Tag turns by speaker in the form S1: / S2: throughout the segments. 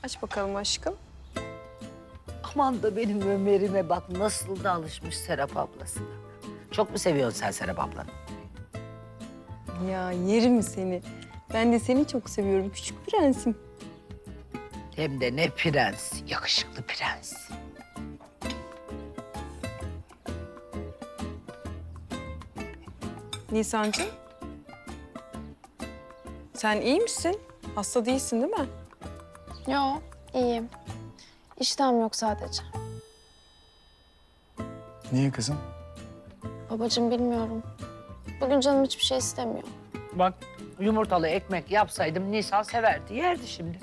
S1: Aç bakalım aşkım.
S2: Aman da benim Ömer'ime bak nasıl da alışmış Serap ablasına. Çok mu seviyorsun sen Serap ablanı?
S1: Ya yerim seni. Ben de seni çok seviyorum küçük prensim.
S2: Hem de ne prens, yakışıklı prens.
S1: Nisancığım. Sen iyi misin? Hasta değilsin değil mi?
S3: Yo, iyiyim. İştahım yok sadece.
S4: Niye kızım?
S3: Babacığım bilmiyorum. Bugün canım hiçbir şey istemiyor.
S2: Bak yumurtalı ekmek yapsaydım Nisan severdi, yerdi şimdi.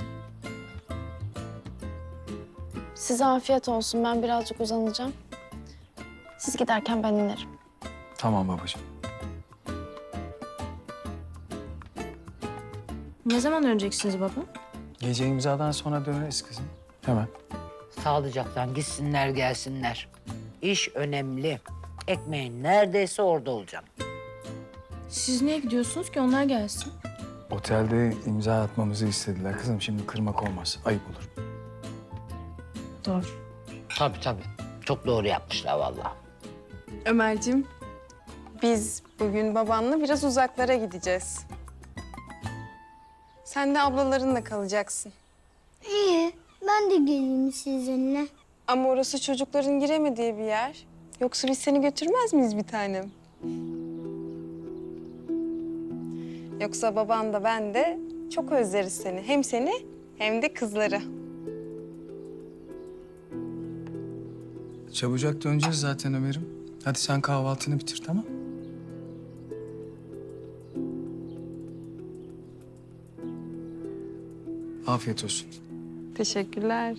S3: Size afiyet olsun. Ben birazcık uzanacağım. Siz giderken ben inerim.
S4: Tamam babacığım.
S5: Ne zaman döneceksiniz baba?
S4: Gece imzadan sonra döneriz kızım. Hemen.
S2: Sağlıcaktan gitsinler gelsinler. İş önemli. Ekmeğin neredeyse orada olacağım.
S5: Siz niye gidiyorsunuz ki onlar gelsin?
S4: Otelde imza atmamızı istediler kızım. Şimdi kırmak olmaz. Ayıp olur.
S5: Doğru.
S2: Tabii tabii. Çok doğru yapmışlar vallahi.
S1: Ömerciğim, biz bugün babanla biraz uzaklara gideceğiz. Sen de ablalarınla kalacaksın.
S6: İyi, ben de geleyim sizinle.
S1: Ama orası çocukların giremediği bir yer. Yoksa biz seni götürmez miyiz bir tanem? Yoksa baban da ben de çok özleriz seni. Hem seni hem de kızları.
S4: Çabucak döneceğiz zaten Ömer'im. Hadi sen kahvaltını bitir, tamam? Afiyet olsun.
S1: Teşekkürler.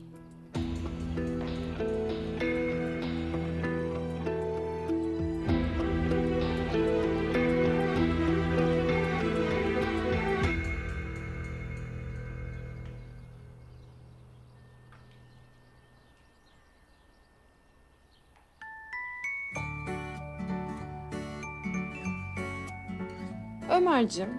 S1: Ömerciğim.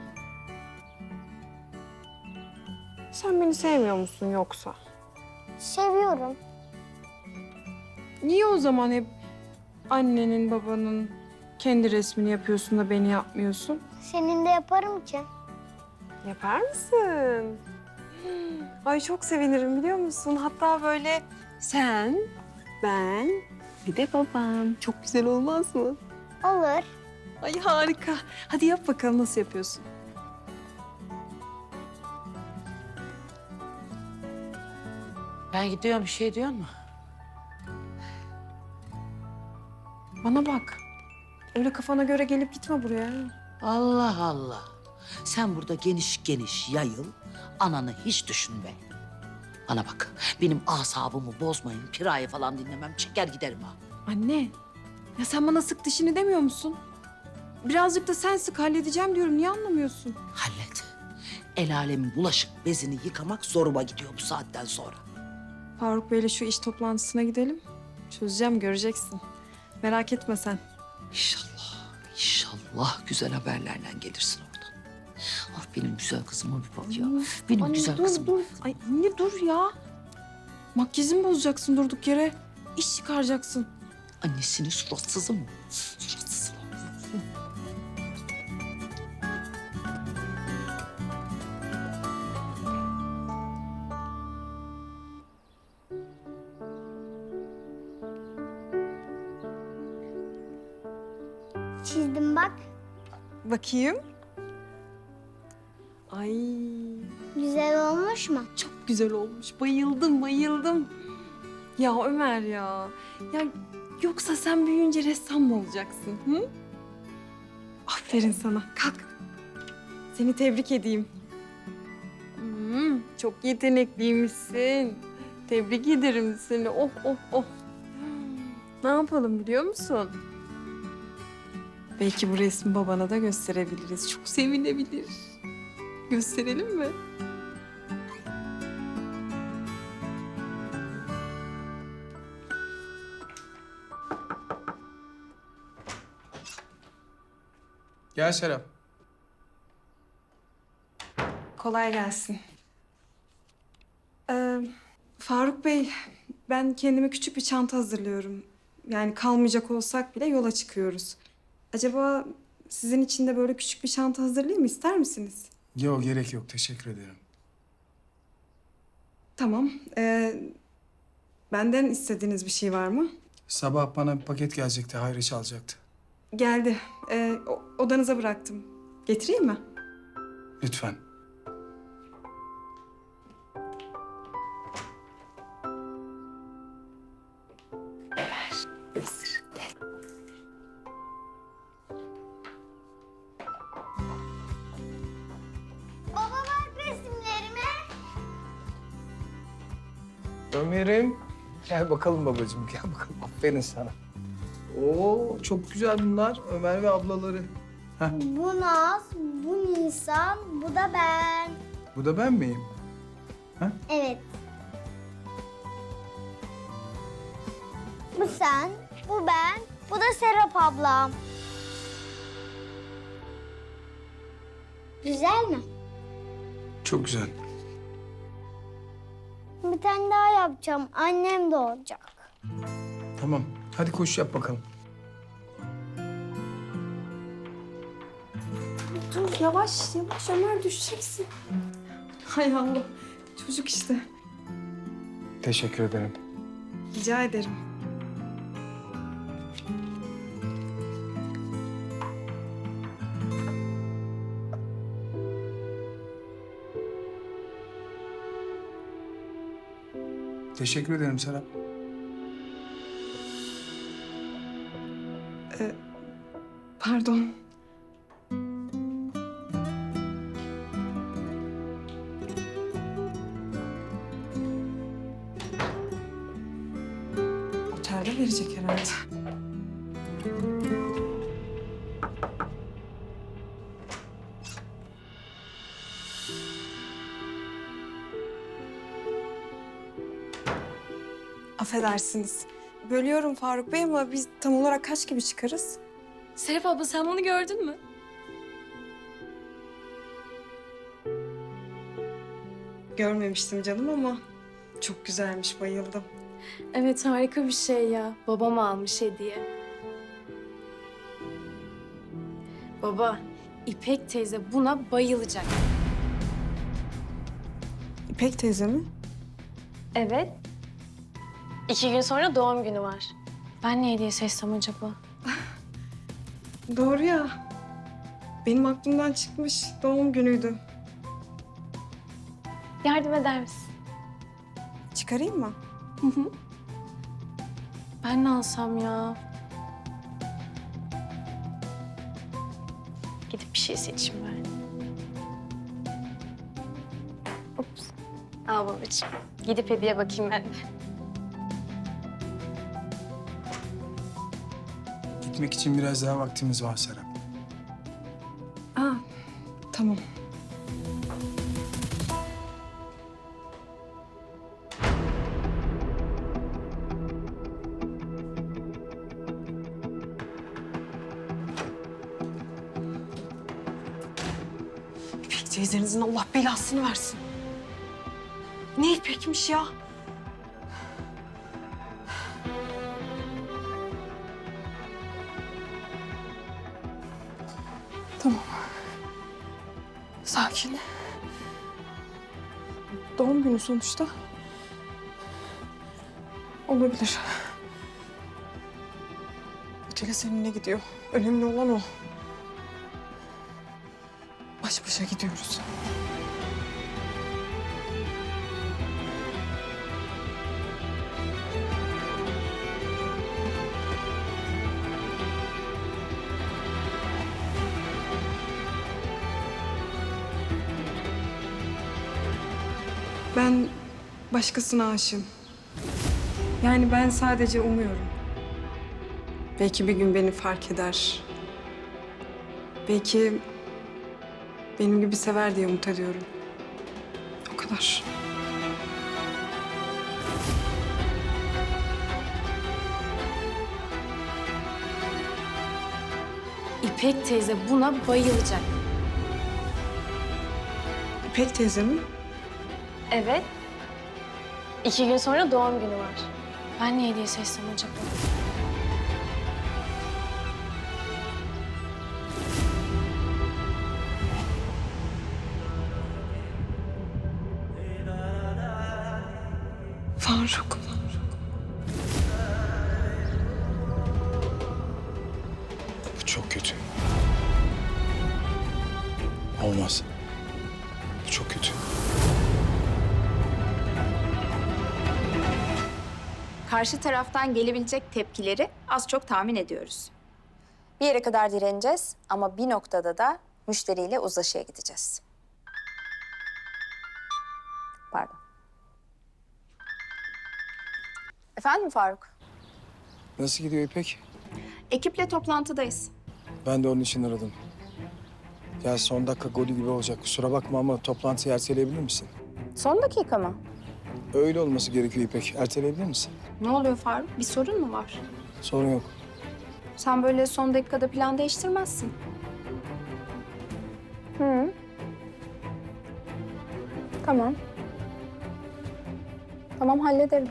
S1: Sen beni sevmiyor musun yoksa?
S6: Seviyorum.
S1: Niye o zaman hep annenin, babanın kendi resmini yapıyorsun da beni yapmıyorsun?
S6: Senin de yaparım ki.
S1: Yapar mısın? Ay çok sevinirim biliyor musun? Hatta böyle sen, ben, bir de babam. Çok güzel olmaz mı?
S6: Olur.
S1: Ay harika. Hadi yap bakalım nasıl yapıyorsun?
S2: Ben gidiyorum, bir şey diyor mu?
S1: Bana bak. Öyle kafana göre gelip gitme buraya.
S2: Allah Allah. Sen burada geniş geniş yayıl, ananı hiç düşünme. Bana bak, benim asabımı bozmayın, Pira'yı falan dinlemem, çeker giderim ha.
S1: Anne, ya sen bana sık dişini demiyor musun? Birazcık da sen sık halledeceğim diyorum. Niye anlamıyorsun?
S2: Hallet. El alemin bulaşık bezini yıkamak zoruma gidiyor bu saatten sonra.
S1: Faruk Bey'le şu iş toplantısına gidelim. Çözeceğim, göreceksin. Merak etme sen.
S2: İnşallah, inşallah güzel haberlerle gelirsin oradan. Ah benim güzel kızıma bir bak ya. Benim
S1: Anne,
S2: güzel
S1: dur,
S2: kızım.
S1: dur. Ay anne dur ya. Makyajımı bozacaksın durduk yere. İş çıkaracaksın.
S2: Annesinin suratsızı mı? Suratsızı mı?
S6: Çizdim bak.
S1: Bakayım. Ay
S6: Güzel olmuş mu?
S1: çok güzel olmuş. Bayıldım, bayıldım. Ya Ömer ya. Ya yoksa sen büyüyünce ressam mı olacaksın? Hı? Aferin sana. Kalk. Seni tebrik edeyim. Çok yetenekliymişsin. Tebrik ederim seni. Oh, oh, oh. Ne yapalım biliyor musun? Belki bu resmi babana da gösterebiliriz. Çok sevinebilir. Gösterelim mi?
S4: Gel Serap.
S1: Kolay gelsin. Faruk Bey, ben kendime küçük bir çanta hazırlıyorum. Yani kalmayacak olsak bile yola çıkıyoruz. Acaba sizin için de böyle küçük bir çanta hazırlayayım mı? İster misiniz?
S4: Yok gerek yok teşekkür ederim.
S1: Tamam. Benden istediğiniz bir şey var mı?
S4: Sabah bana bir paket gelecekti Hayri çalacaktı.
S1: Geldi. Odanıza bıraktım. Getireyim mi?
S4: Lütfen.
S6: Baba bak resimlerime.
S4: Ömer'im. Gel bakalım babacığım gel bakalım. Aferin sana. Oo çok güzel bunlar Ömer ve ablaları.
S6: Bu Naz, bu Nisan, bu da ben.
S4: Bu da ben miyim?
S6: Evet. Bu sen, bu ben, bu da Serap ablam. Güzel mi?
S4: Çok güzel.
S6: Bir tane daha yapacağım. Annem de olacak.
S4: Tamam hadi koş yap bakalım.
S1: Dur yavaş yavaş Ömer düşeceksin. Hay Allah. Çocuk işte.
S4: Teşekkür ederim.
S1: Rica ederim.
S4: Teşekkür ederim Serap.
S1: Pardon. Otelde verecek herhalde. Affedersiniz. Bölüyorum Faruk Bey ama biz tam olarak kaç gibi çıkarız?
S5: Serap abla sen bunu gördün mü?
S1: Görmemiştim canım ama çok güzelmiş, bayıldım.
S5: Evet harika bir şey ya. Babam almış hediye. Baba, İpek teyze buna bayılacak.
S1: İpek teyze mi?
S3: Evet. 2 gün sonra doğum günü var. Ben ne hediye seçsem acaba?
S1: Doğru ya. Benim aklımdan çıkmış, doğum günüydü.
S3: Yardım eder misin?
S1: Çıkarayım mı?
S5: Ben ne alsam ya?
S3: Gidip bir şey seçeyim ben. Ups. Al babacığım. Gidip hediye bakayım ben de.
S4: Gitmek için biraz daha vaktimiz var Serap.
S1: Aa, tamam. İpek teyzenizin Allah belasını versin. Ne İpek'miş ya? Tamam. Sakin. Doğum günü sonuçta. Olabilir. Otele seninle gidiyor. Önemli olan o. Baş başa gidiyoruz. Ben başkasına aşığım. Yani ben sadece umuyorum. Belki bir gün beni fark eder. Belki benim gibi sever diye umut ediyorum. O kadar.
S5: İpek teyze buna bayılacak.
S1: İpek teyze mi?
S3: Evet. 2 gün sonra doğum günü var. Ben ne hediye seçsem acaba?
S1: Faruk.
S7: Bu çok kötü. Olmaz. Bu çok kötü.
S8: Karşı taraftan gelebilecek tepkileri az çok tahmin ediyoruz. Bir yere kadar direneceğiz ama bir noktada da müşteriyle uzlaşıya gideceğiz. Pardon. Efendim Faruk?
S4: Nasıl gidiyor İpek?
S8: Ekiple toplantıdayız.
S4: Ben de onun için aradım. Ya son dakika golü gibi olacak. Kusura bakma ama toplantıyı erteleyebilir misin?
S8: Son dakika mı?
S4: Öyle olması gerekiyor İpek. Erteleyebilir misin?
S8: Ne oluyor Faruk? Bir sorun mu var?
S4: Sorun yok.
S8: Sen böyle son dakikada plan değiştirmezsin. Hı. Tamam. Tamam hallederim.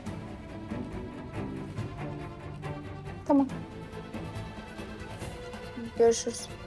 S8: Tamam. Görüşürüz.